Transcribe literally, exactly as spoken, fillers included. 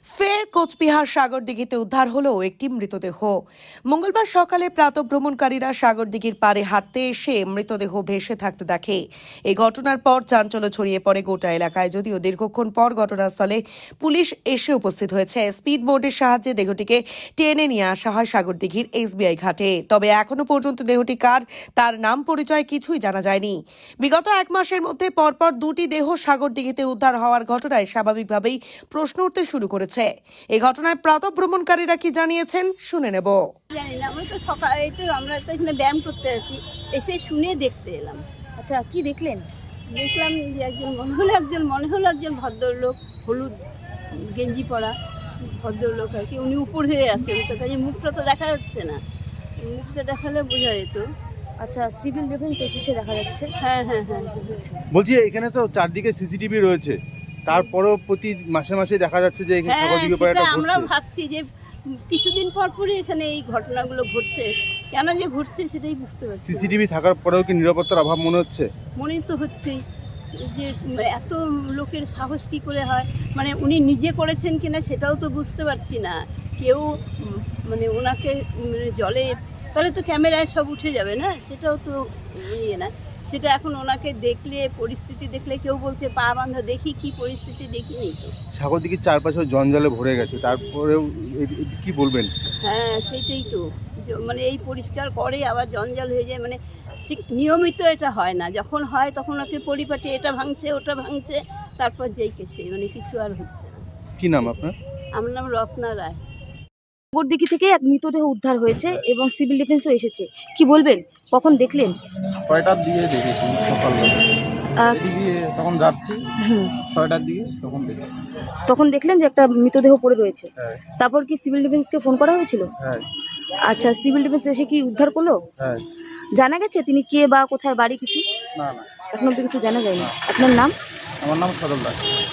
ফের কোচবিহার সাগরদিঘিতে উদ্ধার হলো একটি মৃতদেহ। মঙ্গলবার সকালে প্রাতঃভ্রমণকারীরা সাগরদিঘির পাড়ে হাঁটতে এসে মৃতদেহ ভেসে থাকতে দেখে। এই ঘটনার পর চাঞ্চল্য ছড়িয়ে পড়ে গোটা এলাকায়। যদিও দীর্ঘক্ষণ পর ঘটনাস্থলে পুলিশ এসে উপস্থিত হয়েছে। স্পিড বোর্ডের সাহায্যে দেহটিকে টেনে নিয়ে আসা হয় সাগরদিঘির এসবিআই ঘাটে। তবে এখনো পর্যন্ত দেহটি কার, তার নাম পরিচয় কিছুই জানা যায়নি। বিগত এক মাসের মধ্যে পরপর দুটি দেহ সাগরদিঘিতে উদ্ধার হওয়ার ঘটনায় স্বাভাবিকভাবেই প্রশ্ন উঠতে শুরু করেছে। এই ঘটনায় প্রাতঃভ্রমণকারীরা কি জানিয়েছেন শুনে নেব। জানি না, আমরা তো সকালে তো আমরা তো এখানে ব্যায়াম করতে আসি, এসে শুনে দেখতে এলাম। আচ্ছা, কি দেখলেন? দেখলাম যে একজন মনে হলো একজন মনে হলো একজন ভদ্রলোক, হলুদ গেঞ্জি পরা ভদ্রলোক আর কি। উনি উপর হয়ে আছেন, তো কাজে মুখটা তো দেখা যাচ্ছে না, মুখটা দেখালে বোঝা যেত। আচ্ছা, সিভিল ডিফেন্স এসেছে দেখা যাচ্ছে। হ্যাঁ হ্যাঁ হ্যাঁ বলছি এখানে তো চারদিকে সিসিটিভি রয়েছে, তারপরেও প্রতি মাসে মাসে দেখা যাচ্ছে যে এখানে হ্যাঁ, সাগরদিঘি সেটা পাড়াটা আমরাও ঘুরছে। ভাবছি যে কিছুদিন পর পরই এখানে এই ঘটনাগুলো ঘটছে, কেন যে ঘটছে সেটাই বুঝতে পারছি না। সিসিটিভি থাকার পরেও কি নিরাপত্তার অভাব মনে হচ্ছে? মনে তো হচ্ছেই যে এত লোকের সাহস কী করে হয়, মানে উনি নিজে করেছেন কিনা সেটাও তো বুঝতে পারছি না। কেউ উম, মানে ওনাকে উম, জলে তাহলে তো ক্যামেরায় সব উঠে যাবে না, সেটাও তো ইয়ে না। সেটা এখন ওনাকে দেখলে, পরিস্থিতি দেখলে কেউ বলছে পা বাঁধা, দেখি কি পরিস্থিতি দেখিনি তো। সাগরদিঘির চারপাশে জঞ্জালে ভরে গেছে, তারপরেও এ- এ- কি বলবেন? হ্যাঁ সেইটাই তো, জ- মানে এই পরিষ্কার করে আবার জঞ্জাল হয়ে যায়, মানে সে নিয়মিত এটা হয় না। যখন হয় তখন ওকে পরিপাটি এটা ভাঙছে ওটা ভাঙছে, তারপর যেই কে সেই, মানে কিছু আর হচ্ছে না। কি নাম আপনার? আমার নাম রত্না রায়। সাগরদিঘি থেকে এক মৃতদেহ উদ্ধার হয়েছে এবং সিভিল ডিফেন্সও এসেছে। কি বলবেন, কখন দেখলেন? ছয়টার দিকে দেখেছি সকালবেলা। আহ, এদিকে তখন যাচ্ছি হুম, ছয়টার দিকে, তখন দেখেছি। তখন দেখলেন যে একটা মৃতদেহ পড়ে রয়েছে। হ্যাঁ তারপর কি সিভিল ডিফেন্সকে ফোন করা হয়েছিল? হ্যাঁ আচ্ছা, সিভিল ডিফেন্স এসে কি উদ্ধার করলো? হ্যাঁ। জানা গেছে তিনি কে বা কোথায় বাড়ি? কিছু না না, এখন অব্দি কিছু জানা যায়নি। আপনার নাম? আমার নাম সদল দাস।